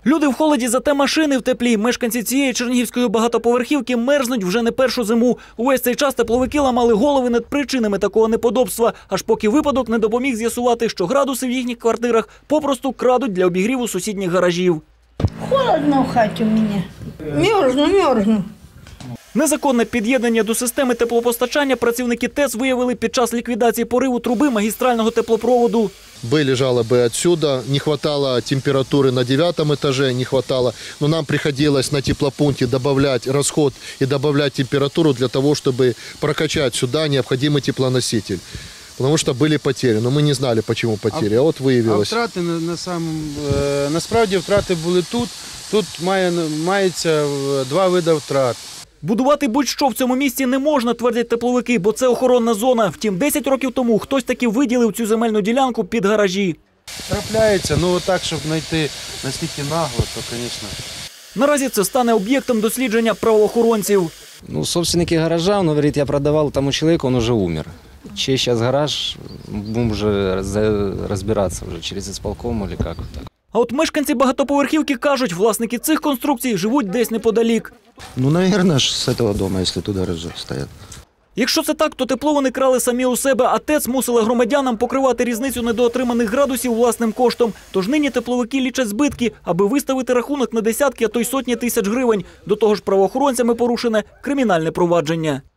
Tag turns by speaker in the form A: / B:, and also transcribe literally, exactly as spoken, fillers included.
A: Люди в холоді, зате машини в теплі. Мешканці цієї чернігівської багатоповерхівки мерзнуть вже не першу зиму. Увесь цей час тепловики ламали голови над причинами такого неподобства, аж поки випадок не допоміг з'ясувати, що градуси в їхніх квартирах попросту крадуть для обігріву сусідніх гаражів.
B: Холодно в хаті у мене. Мерзну, мерзну.
A: Незаконне під'єднання до системи теплопостачання працівники ТЕЦ виявили під час ліквідації пориву труби магістрального теплопроводу.
C: Были жалобы отсюда, не хватало температуры на девятом этаже, не хватало, но нам приходилось на теплопункте добавлять расход и добавлять температуру для того, чтобы прокачать сюда необходимый теплоноситель. Потому что были потери, но мы не знали, почему потери, а, а от виявилось.
D: А втрати на, на самом, е, насправді втрати були тут, тут має, мається два види втрат.
A: Будувати будь-що в цьому місті не можна, твердять тепловики, бо це охоронна зона. Втім, десять років тому хтось таки виділив цю земельну ділянку під гаражі.
D: Трапляється, ну так, щоб знайти настільки нагло, то, звісно.
A: Наразі це стане об'єктом дослідження правоохоронців.
E: Ну, собственники гаража, он говорит, я продавал тому человеку, он уже умер. Чей сейчас гараж, будем уже разбираться уже через исполком или как вот так.
A: А от мешканці багатоповерхівки кажуть, власники цих конструкцій живуть десь неподалік.
F: Ну, наверное, с этого дома, если тут гаражи стоят.
A: Якщо це так, то тепло вони крали самі у себе, а ТЕЦ мусила громадянам покривати різницю недоотриманих градусів власним коштом. Тож нині тепловики лічать збитки, аби виставити рахунок на десятки, а то й сотні тисяч гривень. До того ж правоохоронцями порушене кримінальне провадження.